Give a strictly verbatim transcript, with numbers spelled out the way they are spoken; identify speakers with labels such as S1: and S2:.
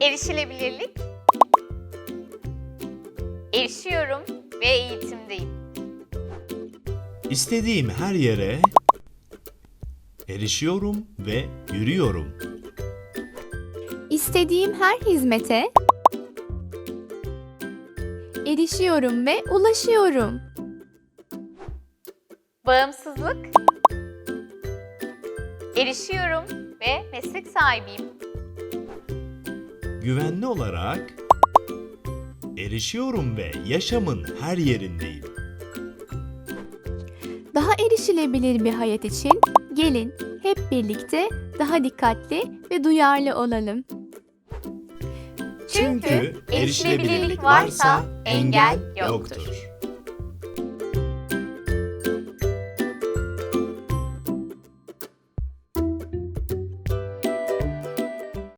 S1: Erişilebilirlik. Erişiyorum ve eğitimdeyim.
S2: İstediğim her yere erişiyorum ve yürüyorum.
S3: İstediğim her hizmete erişiyorum ve ulaşıyorum.
S1: Bağımsızlık. Erişiyorum ve meslek sahibiyim.
S2: Güvenli olarak erişiyorum ve yaşamın her yerindeyim.
S3: Daha erişilebilir bir hayat için gelin hep birlikte daha dikkatli ve duyarlı olalım.
S1: Çünkü erişilebilirlik varsa engel yoktur.